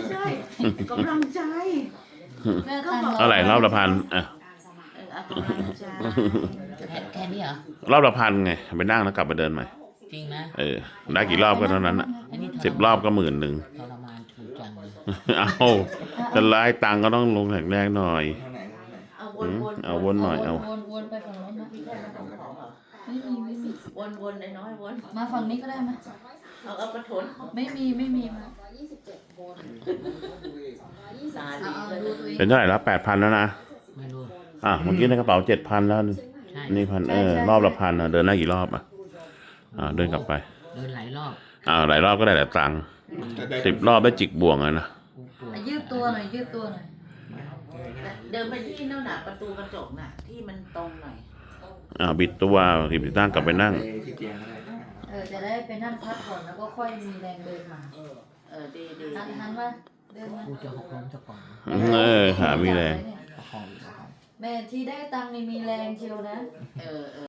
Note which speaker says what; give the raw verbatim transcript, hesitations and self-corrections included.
Speaker 1: ใช่กำลังใจ
Speaker 2: แม่ตังค์
Speaker 3: เท่าไหร่รอบละพันอ่ะ
Speaker 1: เออเอากำลังใจ
Speaker 2: แค่แค่นี้เหรอ
Speaker 3: รอบละพันไงไปนั่งแล้วกลับมาเดินใหม่
Speaker 2: จริงนะ
Speaker 3: เออได้กี่รอบก็เท่านั้นอ่ะ
Speaker 2: อันนี้ทรมาน
Speaker 3: สิบรอบก็หมื่นหนึ่ง
Speaker 2: ทรมานถูกจังเลย
Speaker 3: เอาจะไล่ตังค์ก็ต้องลงแข็งแรงหน่อย
Speaker 1: เอาว
Speaker 3: อื
Speaker 1: น
Speaker 3: ม
Speaker 1: วน
Speaker 3: เอาวนหน่อยเอา
Speaker 2: วนวนไปฝั่งโน้นนะ
Speaker 1: พี่แค่มาของของเหรอ
Speaker 2: ไม่มีไม่มี
Speaker 1: วนวนไอ้น้อยวน
Speaker 2: มาฝั่งนี้ก็ได้ไหม
Speaker 1: เอาเอากระถน
Speaker 2: ไม่มีไม่มีมา
Speaker 1: ตา
Speaker 2: เอา
Speaker 1: ดี
Speaker 2: เอา
Speaker 1: เลย
Speaker 2: ดูตัวเอง
Speaker 3: เป็นเท่าไหร่ละแปดพันแล้วนะ
Speaker 2: ไม่รู้
Speaker 3: อ่ะเมื่อกี้ในกระเป๋าเจ็ดพันแล้ว
Speaker 2: ใช่
Speaker 3: นี่พันเออรอบละพันอ่ะเดินได้กี่รอบอ่ะอ่าเดินกลับไป
Speaker 2: เดินหลายรอบ
Speaker 3: อ่าหลายรอบก็ได้หลายตังค์สิบรอบได้จิกบ่วงเลยนะ
Speaker 2: ปวดยืดตัวหน่อยยืดตัวหน่อย
Speaker 1: เดินไปที่นั่นน่ะประตูกระจกน่ะที่มันตรงหน่อย
Speaker 3: อ่าบิดตัวบิดตั้งกลับไปนั่ง
Speaker 4: ที่เตียงก็ได้
Speaker 2: เออจะได้ไปนั่งพักก่อนแล้วก็ค่อยมีแรงเดินมา
Speaker 1: เออดีดี
Speaker 2: หันหันมาเดินมา
Speaker 4: กูจะหกล้มจะก่อน
Speaker 3: เออขามีแรง
Speaker 4: ประคองอยู่ประคอง
Speaker 2: แม่ที่ได้ตังค์นี่มีแรงเชียวนะ
Speaker 1: เออเออ